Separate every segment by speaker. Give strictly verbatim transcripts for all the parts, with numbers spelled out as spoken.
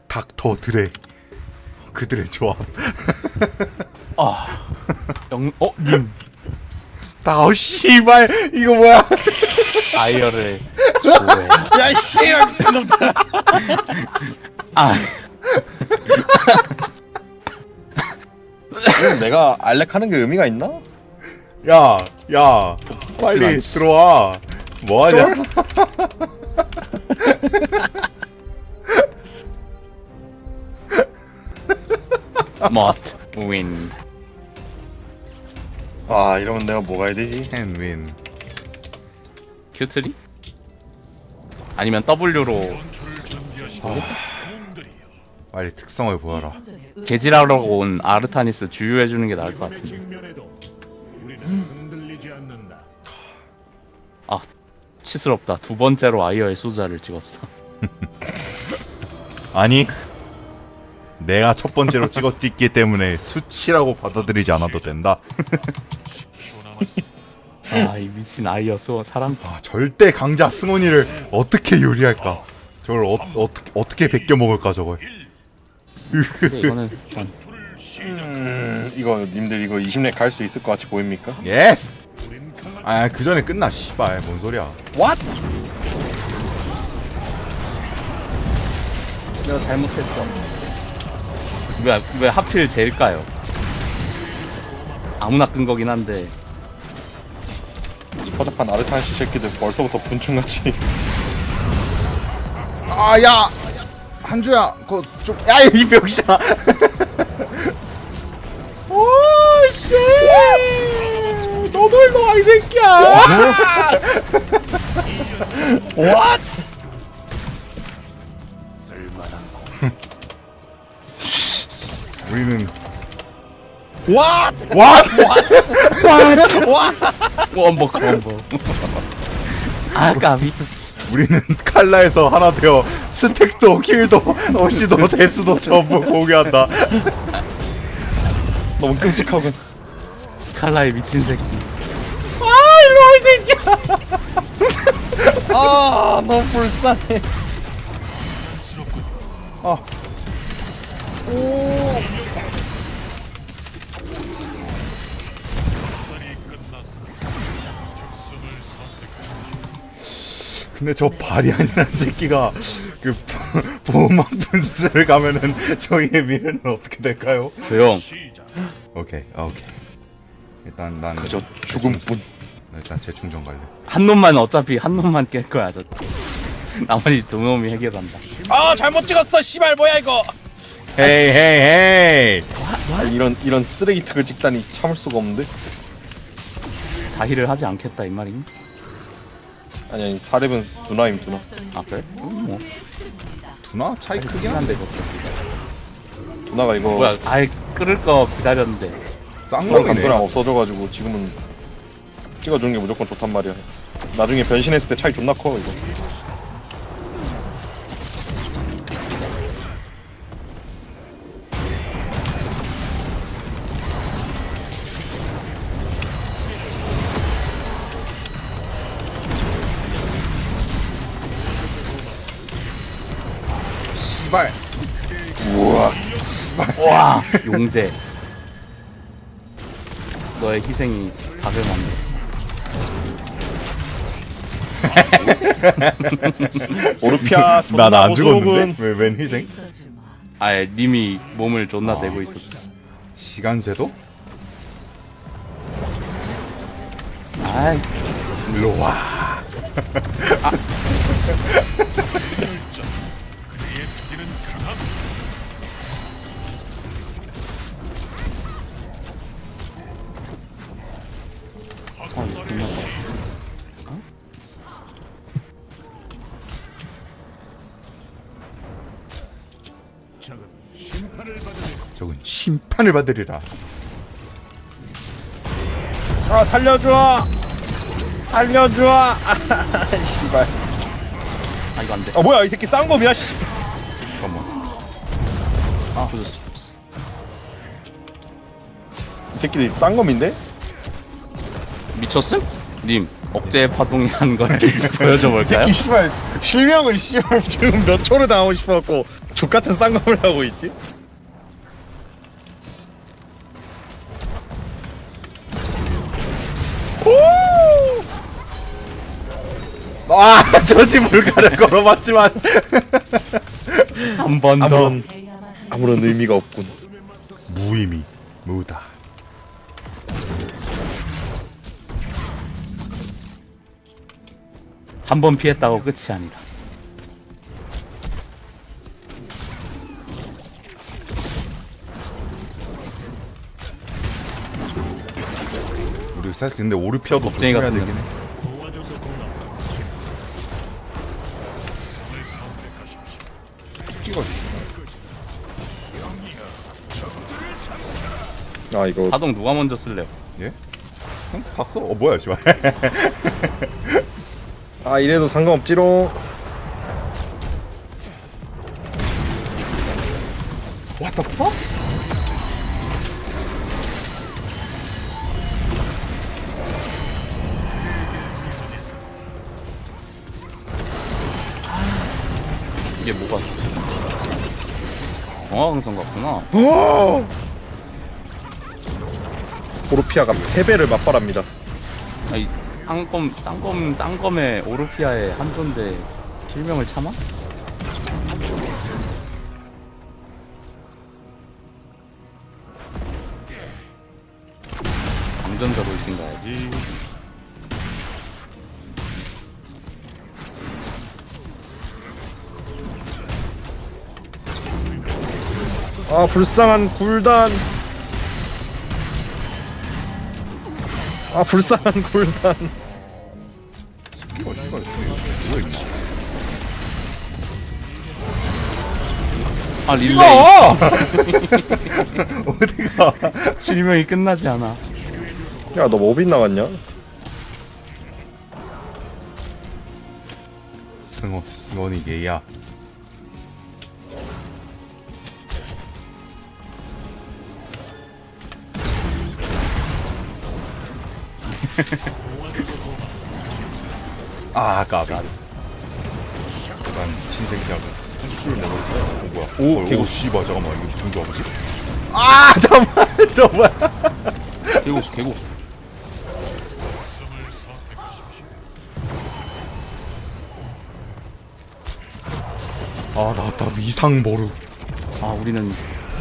Speaker 1: 닥터 드레 그들의 조합.
Speaker 2: 아, 영, 어, 님
Speaker 1: 다우 씨발 이거 뭐야?
Speaker 2: 아이어를 좋아해.
Speaker 3: 야 씨발 미친놈들.
Speaker 2: 아,
Speaker 3: 지금 내가 알렉 하는 게 의미가 있나?
Speaker 1: 야, 야, 빨리
Speaker 2: 않지.
Speaker 1: 들어와. 뭐하냐?
Speaker 2: must win.
Speaker 3: 아 이러면 내가 뭐가 해야 되지?
Speaker 1: 캔윈.
Speaker 2: 큐트리? 아니면 W로
Speaker 1: 빨리 특성을 보여라.
Speaker 2: 개질하러 온 아르타니스 주유해주는 게 나을 것 같은데.
Speaker 4: 직면에도 우리는 흔들리지 않는다.
Speaker 2: 아, 치스럽다. 두 번째로 아이어의 수자를 찍었어.
Speaker 1: 아니, 내가 첫 번째로 찍었기 때문에 수치라고 받아들이지 않아도 된다.
Speaker 2: 아, 이 미친 아이어 수 사람.
Speaker 1: 아, 절대 강자 승원이를 어떻게 요리할까? 저걸 어, 어떻게 어떻게 베껴 먹을까 저걸?
Speaker 2: 근데 이거는 전
Speaker 3: 음 이거 님들 이거 이십 렙 갈 수 있을 것 같이 보입니까?
Speaker 1: 예스. 아, 그 전에 끝나. 씨발, 뭔 소리야?
Speaker 3: What?
Speaker 2: 내가 잘못했어. 왜, 왜 하필 제일까요? 아무나 끈 거긴 한데.
Speaker 3: 허접한 아르타니시 새끼들 벌써부터 분충같이.
Speaker 1: 아, 야, 한주야, 그거 좀, 야, 이 병신아. 오, 씨. 너도 일로 와, 이 새끼야.
Speaker 3: What?
Speaker 1: 우리는
Speaker 3: What?
Speaker 1: What?
Speaker 2: 원복, 원복. 아, 까비.
Speaker 1: 우리는 칼라에서 하나 되어 스택도 킬도 어시도 데스도 전부 공유한다.
Speaker 3: 너무 끔찍하군.
Speaker 2: 칼라의 미친 새끼.
Speaker 1: 아, 일로 와, 이 새끼야.
Speaker 3: 아 너무 불쌍해.
Speaker 1: 아. 오. 근데 저 바리안이라는 새끼가 그 보호막 분수를 가면은 저희의 미래는 어떻게 될까요?
Speaker 2: 조용.
Speaker 1: 오케이, 아, 오케이. 일단 난
Speaker 3: 그저 죽음뿐.
Speaker 1: 일단 재충전 갈래.
Speaker 2: 한 놈만 어차피 한 놈만 깰 거야, 저. 나머지 두 놈이 해결한다.
Speaker 3: 아 잘못 찍었어. 씨발 뭐야 이거.
Speaker 1: 헤이 헤이 헤이.
Speaker 3: 아, 이런 이런 쓰레기 특을 찍다니 참을 수가 없는데.
Speaker 2: 자희를 하지 않겠다 이 말이니?
Speaker 3: 아니 아니 사렙은 누나임 누나.
Speaker 2: 아 그래? 음, 뭐
Speaker 1: 두나 차이 크긴
Speaker 2: 한데
Speaker 1: 한데
Speaker 2: 그것도.
Speaker 3: 누나가 이거
Speaker 2: 뭐야? 아예 끓을 거 기다렸는데.
Speaker 1: 싼
Speaker 3: 그런
Speaker 1: 거네.
Speaker 3: 감소랑 없어져가지고 지금은 찍어주는 게 무조건 좋단 말이야. 나중에 변신했을 때 차이 존나 커 이거.
Speaker 1: 씨발.
Speaker 3: 우와.
Speaker 2: 와, 용재. 너의 희생이 답을 만들.
Speaker 3: 오르피아
Speaker 1: 난 안
Speaker 3: 존나
Speaker 1: 죽었는데?
Speaker 3: 보수군.
Speaker 1: 왜웬 희생?
Speaker 2: 아예 님이 몸을 존나
Speaker 1: 아.
Speaker 2: 내고 있었어.
Speaker 1: 시간 쇠도?
Speaker 2: 아이,
Speaker 1: 일로 와.
Speaker 4: 적은 심판을 받으리.
Speaker 1: 저건 심판을 받으리라.
Speaker 3: 아 살려줘. 살려줘. 아 씨발.
Speaker 2: 아 이거 안 돼.
Speaker 3: 아 뭐야 이 새끼 쌍검이야 씨.
Speaker 1: 잠깐만.
Speaker 2: 아, 부졌어.
Speaker 3: 이 새끼들 쌍검인데?
Speaker 2: 미쳤음? 님, 억제 파동이라는 걸 보여줘 볼까요?
Speaker 3: 이 씨발 실명을 씨발 지금 몇 초를 당하고 싶어갖고 족같은 쌍검을 하고 있지?
Speaker 1: 아 저지 물가를 걸어봤지만
Speaker 2: 한 번 더.
Speaker 3: 아무런 아무런 의미가 없군.
Speaker 1: 무의미 무다.
Speaker 2: 한 번 피했다고 끝이 아니다.
Speaker 1: 우리 사실 근데 오르피아도
Speaker 2: 겁쟁이가
Speaker 1: 조심해야
Speaker 2: 생겼네.
Speaker 1: 되긴 해.
Speaker 4: 도와줘서 고맙다. 성을 선택하십시오.
Speaker 1: 끼가
Speaker 3: 아 이거
Speaker 2: 파동 누가 먼저 쓸래요?
Speaker 1: 예? 응? 봤어? 어 뭐야 씨발.
Speaker 3: 아 이래도 상관없지롱.
Speaker 1: What the fuck?
Speaker 2: 이게 뭐가 정화강성 같구나.
Speaker 3: 오! 오르피아가 패배를 맛발합니다.
Speaker 2: 아니 쌍검 쌍검 쌍검의 오르피아의 한조인데 실명을 참아? 강전자 돌진 가야지.
Speaker 3: 아 불쌍한 굴단. 아 불쌍한 굴단.
Speaker 1: 끼가 씨발 뭐야 이거.
Speaker 2: 아 릴레이
Speaker 1: 어! 어디가?
Speaker 2: 실명이 끝나지 않아.
Speaker 3: 야 너 뭐 빗나갔냐?
Speaker 1: 승원 승원이 얘야. 아 까비. 약간 미친 새끼하고 술 먹을 때. 어 뭐야?
Speaker 3: 오,
Speaker 1: 어,
Speaker 3: 개구.
Speaker 1: 오 씨발 잠깐만 이거 누구 아버지? 아 잠깐만 저 뭐야?
Speaker 2: 개고수 개고수.
Speaker 1: 아 나왔다 이상 모르.
Speaker 2: 아 우리는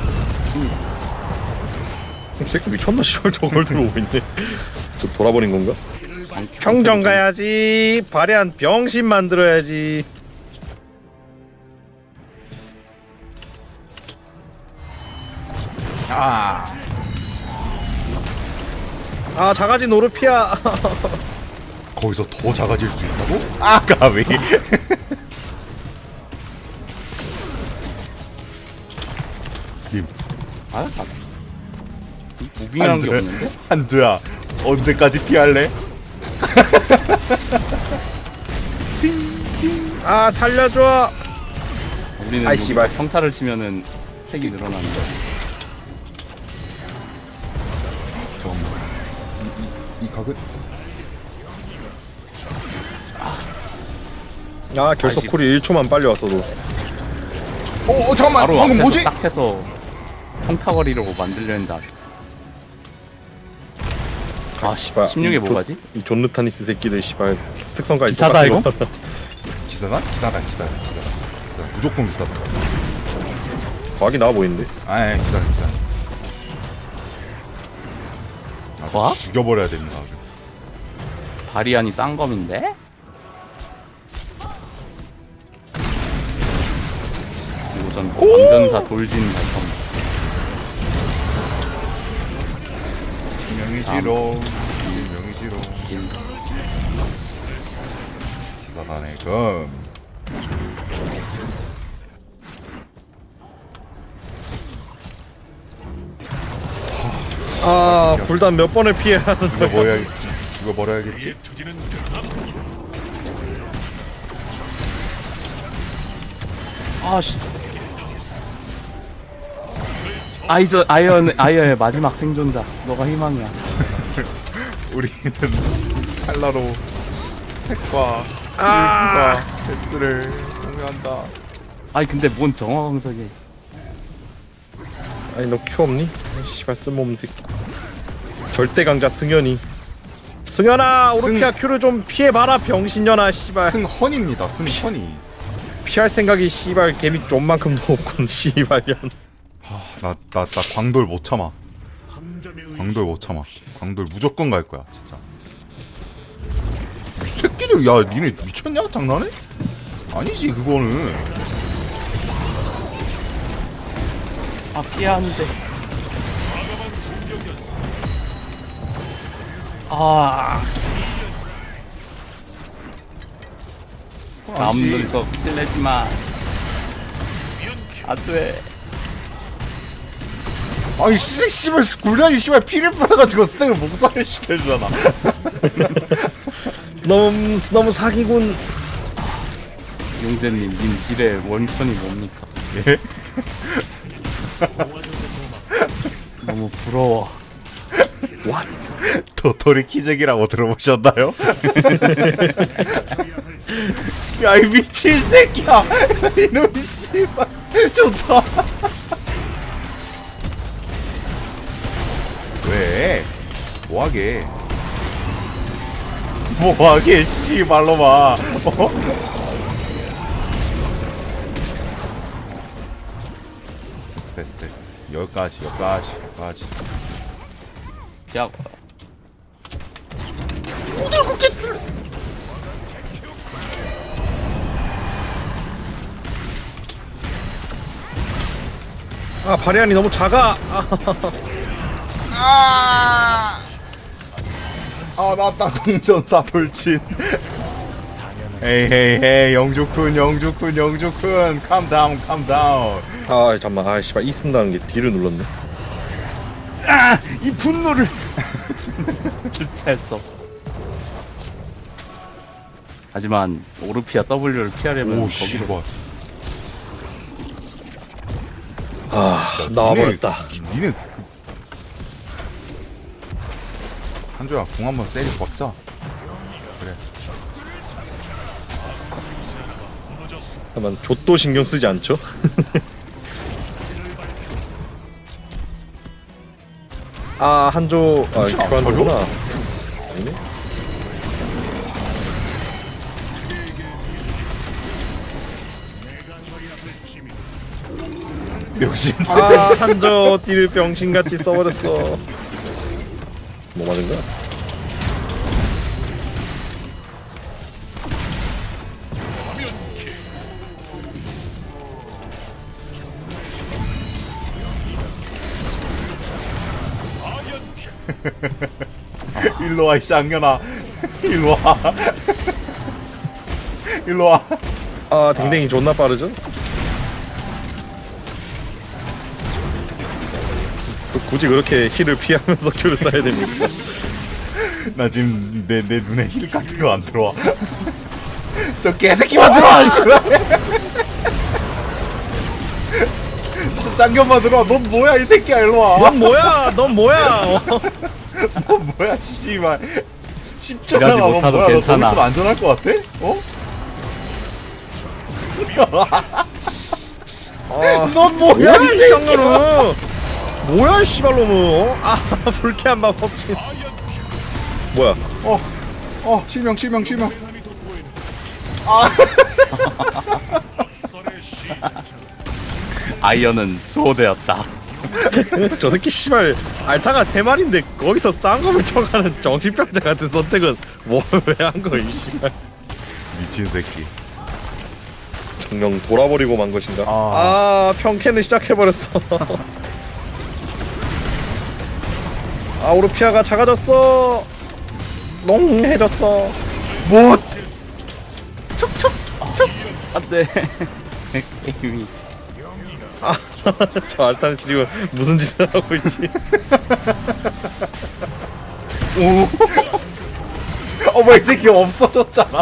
Speaker 3: 이 새끼 미쳤나 씨발 저걸 들어오고 있네. 저 돌아버린 건가?
Speaker 2: 방-
Speaker 3: 평정 가야지. 발해한 병신 만들어야지.
Speaker 1: 아
Speaker 3: 아 작아진 오르피아.
Speaker 1: 거기서 더 작아질 수 있다고? 아 까비. 님
Speaker 2: 아, 아. 무빙이란 게
Speaker 1: 한두야,
Speaker 2: 없는데?
Speaker 1: 한두야 언제까지 피할래?
Speaker 3: 아 살려줘.
Speaker 2: 우리는
Speaker 3: 아이,
Speaker 2: 여기서
Speaker 3: 씨발.
Speaker 2: 평타를 치면은 색이 늘어나는데.
Speaker 1: 잠깐만 이, 이, 이 각은
Speaker 3: 아 결석
Speaker 2: 아이씨.
Speaker 3: 쿨이 일 초만 빨리 왔어도.
Speaker 1: 어, 어 잠깐만
Speaker 2: 바로
Speaker 1: 방금
Speaker 2: 앞에서
Speaker 1: 뭐지?
Speaker 2: 딱 해서 평타거리로 만들려 했는데 아쉽- 아
Speaker 3: 씨발.
Speaker 2: 십육에
Speaker 3: 이
Speaker 2: 뭐가지?
Speaker 3: 이 존르타니스 새끼들 씨발 특성까지
Speaker 2: 기사다,
Speaker 3: 똑같은
Speaker 2: 이거?
Speaker 3: 거.
Speaker 1: 기사단? 기사단 기사단 기사단 기사단 무조건 기사단.
Speaker 3: 과학이 나와 보이는데.
Speaker 1: 아 예, 기사단 기사단. 아주
Speaker 2: 뭐?
Speaker 1: 죽여버려야 됩니다 아주.
Speaker 2: 바리안이 쌍검인데? 그리고 전 왕전사 돌진 발성.
Speaker 1: 명이지롱 명이지롱
Speaker 2: 길.
Speaker 1: 기사단의 금.
Speaker 3: 아 굴단 몇 번을 피해야 하는
Speaker 1: 이거 뭐야겠지? 이거 버려야겠지?
Speaker 4: 투지는
Speaker 2: 아씨. 아이저 아이언 아이어의 마지막 생존자. 너가 희망이야.
Speaker 1: 우리는 칼라로 핵과 아~ 패스를 공유한다.
Speaker 2: 아니 근데 뭔 정화광석이.
Speaker 3: 아니 너 큐 없니? 씨발 쓸모없는 새끼. 절대 강자 승현이. 승현아 오르피아 큐를 좀 피해봐라 병신년아 씨발.
Speaker 1: 승헌입니다. 승헌이.
Speaker 3: 피할 생각이 씨발 개미 좀만큼도 없군 씨발년.
Speaker 1: 나나 나 나 광돌 못 참아.
Speaker 4: 함정의 의
Speaker 1: 광돌 못 참아. 광돌 무조건 갈 거야 진짜. 이 새끼들 야 니네 미쳤냐? 장난해? 아니지 그거는.
Speaker 2: 아 피하는데. 아. 남는 거 실례지 마. 안돼.
Speaker 1: 아니 씨 씨발 굴단이 씨발 피를 빨아가지고 스택을 목살을 시켜주잖아.
Speaker 3: 너무 너무 사기군.
Speaker 2: 용재님, 님 딜의 원천이 뭡니까?
Speaker 1: 예?
Speaker 2: 너무 부러워.
Speaker 3: 와.
Speaker 1: 도토리 키재기라고 들어보셨나요? 야 이 미친 새끼야. 이놈 씨발 좋다. 왜? 뭐하게? 뭐하게 씨발로마. 어? 됐어 됐어 됐어. 여기까지 여기까지 여기까지.
Speaker 2: 야,
Speaker 3: 아 바리안이 너무 작아. 아.
Speaker 1: 아 나왔다 공전사 돌진. 에이 헤이 헤이 영주쿤 영주쿤 영주쿤 캄다운 캄다운.
Speaker 3: 아 잠만 아 씨발 이 쓴다는 게 D를 눌렀네.
Speaker 2: 아, 이 분노를 주체할 수 없어. 하지만 오르피아 W를 피하려면
Speaker 1: 오
Speaker 2: 거기로.
Speaker 1: 씨발.
Speaker 3: 아 나와버렸다.
Speaker 1: 니네, 니네 그... 한조야 공 한번 때려 박자. 그래.
Speaker 3: 잠깐만 좆도 신경 쓰지 않죠? 아 한조 아
Speaker 1: 혹시 안
Speaker 3: 교환도구나. 아니네?
Speaker 1: 역시
Speaker 3: 아 한조 띠를 병신같이 써버렸어. 뭐 맞은 거야?
Speaker 1: 일로와 이 쌍년아. 일로와. 일로와.
Speaker 3: 아 댕댕이 존나 빠르죠? 그- 굳이 그렇게 힐을 피하면서 큐를 쏴야 됩니까?
Speaker 1: 나 지금 내, 내 눈에 힐 같은 거 안 들어와. 저 개새끼만 들어와 씨발. 저 쌍년만 들어와. 넌 뭐야 이 새끼야. 일로와.
Speaker 3: 넌 뭐야? 넌 뭐야? 어?
Speaker 1: 넌 뭐야 씨발. 십자가
Speaker 2: 일하지
Speaker 1: 넌
Speaker 2: 못하도
Speaker 1: 뭐야. 너
Speaker 2: 괜찮아.
Speaker 1: 거기서 안전할 것 같아? 어?
Speaker 3: 아,
Speaker 1: 넌 뭐야 이
Speaker 3: 이
Speaker 1: 새끼야.
Speaker 3: 쌍년은 뭐야 이 씨발놈은 어? 아 불쾌한 마법신 뭐야
Speaker 1: 어, 어, 실명, 실명, 실명.
Speaker 4: 썰의 시
Speaker 2: 아이언은 수호되었다.
Speaker 3: 저 새끼 씨발 알타가 세 마리인데 거기서 쌍검을 쳐가는 정신병자 같은 선택은 뭐 왜 한 거야 이 씨발
Speaker 1: 미친 새끼.
Speaker 3: 정령 돌아버리고 만 것인가
Speaker 1: 아.
Speaker 3: 아 평캔을 시작해버렸어 아 오르피아가 작아졌어 농해졌어
Speaker 1: 뭐?
Speaker 2: 안돼. 게임이.
Speaker 3: 저 알타는 지금 무슨 짓을 하고 있지
Speaker 1: 오. 어머 이 새끼 없어졌잖아.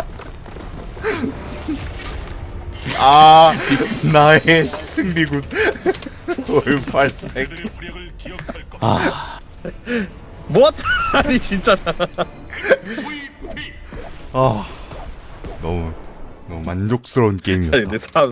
Speaker 1: 아 나의 승리군. 돌팔색.
Speaker 4: 그들의 후력을 기억할 것.
Speaker 2: 아,
Speaker 3: 뭐? 아니 진짜
Speaker 1: 아 너무 너무 만족스러운 게임이었다.
Speaker 3: 아니 근데 사